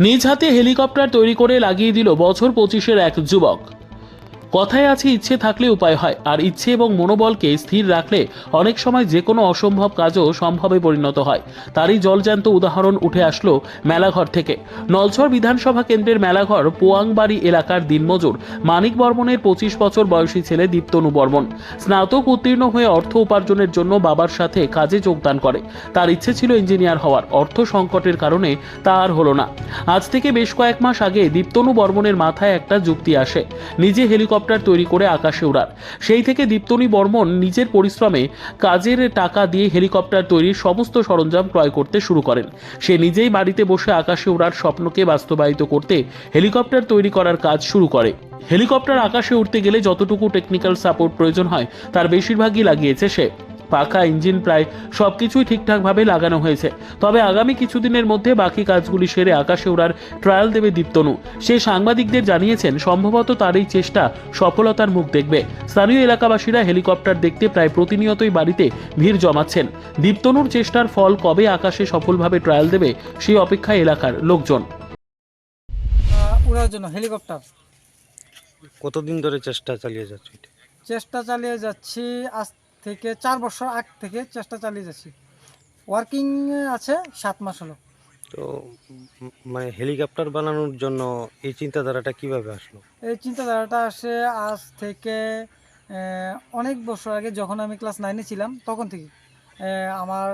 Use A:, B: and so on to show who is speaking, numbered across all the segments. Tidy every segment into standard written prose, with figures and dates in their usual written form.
A: নিজ হাতে হেলিকপ্টার তৈরি করে লাগিয়ে দিল বছর 25-এর এক যুবক। কথায় আছে, ইচ্ছে থাকলে উপায় হয়, আর ইচ্ছে এবং মনোবলকে স্থির রাখলে অনেক সময় যে কোনো অসম্ভব কাজও সম্ভবে পরিণত হয়। তারই জলজ্যান্ত উদাহরণ উঠে আসলো মেলাঘর থেকে। নলছড় বিধানসভা কেন্দ্রের মেলাঘর পোয়াংবাড়ি এলাকার দিনমজুর মানিক বর্মনের 25 বছর বয়সী ছেলে দীপ্তনু বর্মন স্নাতক উত্তীর্ণ হয়ে অর্থ উপার্জনের জন্য বাবার সাথে কাজে যোগদান করে। তার ইচ্ছে ছিল ইঞ্জিনিয়ার হওয়ার, অর্থ সংকটের কারণে তা আর হলো না। আজ থেকে বেশ কয়েক মাস আগে দীপ্তনু বর্মনের মাথায় একটা যুক্তি আসে, নিজে হেলিকপ্টার তৈরি করে আকাশে ওড়ার। সেই থেকে দীপ্তনু বর্মন নিজের পরিশ্রমে কাজের টাকা দিয়ে হেলিকপ্টার তৈরির সমস্ত সরঞ্জাম ক্রয় করতে শুরু করেন। সে নিজেই বাড়িতে বসে আকাশে ওড়ার স্বপ্নকে বাস্তবায়িত করতে হেলিকপ্টার তৈরি করার কাজ শুরু করে। হেলিকপ্টার আকাশে উঠতে গেলে যতটুকু টেকনিক্যাল সাপোর্ট প্রয়োজন হয় তার বেশিরভাগই লাগিয়েছে সে। পাখা, ইঞ্জিন প্রায় সবকিছুই ঠিকঠাকভাবে লাগানো হয়েছে। তবে আগামী কিছুদিনের মধ্যে বাকি কাজগুলি সেরে আকাশে ওড়ার ট্রায়াল দেবে দীপ্তনু। সে সাংবাদিকদের জানিয়েছেন, সম্ভবত তার এই চেষ্টা সফলতার মুখ দেখবে। স্থানীয় এলাকাবাসীরা হেলিকপ্টার দেখতে প্রায় প্রতিনিয়তই বাড়িতে ভিড় জমাচ্ছেন। দীপ্তনুর চেষ্টার ফল কবে আকাশে সফলভাবে ট্রায়াল দেবে সেই অপেক্ষায় এলাকার লোকজন।
B: উড়ার জন্য হেলিকপ্টার
C: কতদিন ধরে চেষ্টা চালিয়ে যাচ্ছে এটা?
B: চেষ্টা চালিয়ে যাচ্ছি আজ থেকে 4 বছর আগ থেকে চেষ্টা চালিয়ে যাচ্ছি। ওয়ার্কিং আছে 7 মাস হলো।
C: তো মানে হেলিকপ্টার বানানোর জন্য এই চিন্তাধারাটা কিভাবে আসলো?
B: এই চিন্তাধারাটা আসে আজ থেকে অনেক বছর আগে, যখন আমি ক্লাস 9-এ ছিলাম তখন থেকে। আমার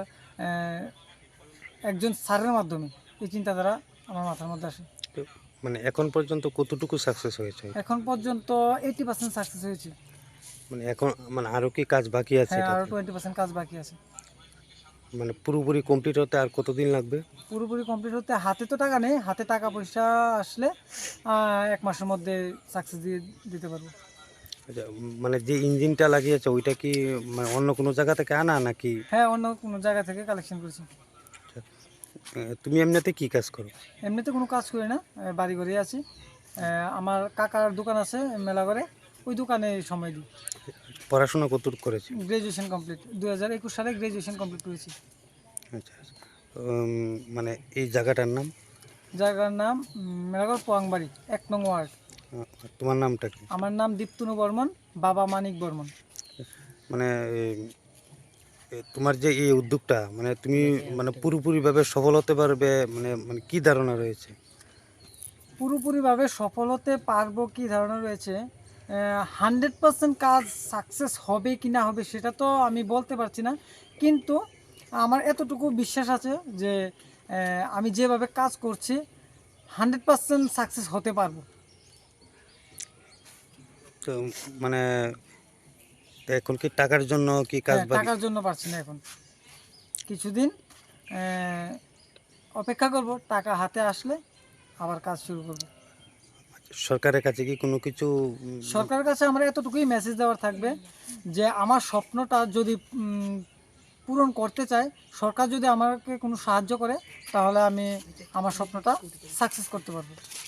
B: একজন স্যারের মাধ্যমে এই চিন্তাধারা আমার মাথার মধ্যে আসে।
C: তো মানে এখন পর্যন্ত কতটুকু সাকসেস হয়েছে?
B: এখন পর্যন্ত 80% সাকসেস হয়েছে।
C: মানে এখন মানে আরো কি কাজ বাকি আছে
B: হ্যাঁ, আরও
C: এটাতে?
B: 20% কাজ বাকি আছে।
C: মানে পুরোপুরি কমপ্লিট হতে আর কতদিন লাগবে?
B: পুরোপুরি কমপ্লিট হতে হাতে তো টাকা নেই, হাতে টাকা পয়সা আসলে 1 মাসের মধ্যে সাকসেস দিয়ে দিতে পারবো।
C: আচ্ছা, মানে যে ইঞ্জিনটা লাগিয়েছে ওইটা কি মানে অন্য কোনো জায়গা থেকে আনা নাকি?
B: হ্যাঁ, অন্য কোনো জায়গা থেকে কালেকশন করেছি।
C: তুমি এমনিতে কি কাজ করো?
B: এমনিতে কোনো কাজ করি না, বাড়ি ঘরেই আছি। আমার কাকার দোকান আছে মেলাঘরে, ওই দোকানে সময় দিই।
C: পড়াশোনা কতটুকু করেছি?
B: গ্র্যাজুয়েশন কমপ্লিট, 2021 সালে গ্র্যাজুয়েশন কমপ্লিট করেছি।
C: আচ্ছা আচ্ছা। মানে এই জায়গাটার নাম?
B: জায়গার নাম মেলাঘর পোয়াংবাড়ি, 1 নং ওয়ার্ড।
C: তোমার নামটা কি?
B: আমার নাম দীপ্তনু বর্মন, বাবা মানিক বর্মন।
C: মানে তোমার যে এই উদ্যোগটা মানে তুমি মানে পুরোপুরিভাবে সফল হতে পারবে মানে মানে কি ধারণা রয়েছে?
B: পুরোপুরিভাবে সফল হতে পারবো কি ধারণা রয়েছে, 100% কাজ সাকসেস হবে কি না হবে সেটা তো আমি বলতে পারছি না, কিন্তু আমার এতটুকু বিশ্বাস আছে যে আমি যেভাবে কাজ করছি 100% সাকসেস হতে পারবো।
C: তো মানে এখন কি টাকার জন্য কি কাজ
B: হ্যাঁ, টাকার জন্য পারছি না এখন। কিছুদিন অপেক্ষা করব, টাকা হাতে আসলে আবার কাজ শুরু করব।
C: সরকারের কাছে কি কোনো কিছু
B: সরকারের কাছে আমার এতটুকুই মেসেজ দেওয়ার থাকবে যে আমার স্বপ্নটা যদি পূরণ করতে চাই, সরকার যদি আমাকে কোনো সাহায্য করে, তাহলে আমি আমার স্বপ্নটা সাকসেস করতে পারবো।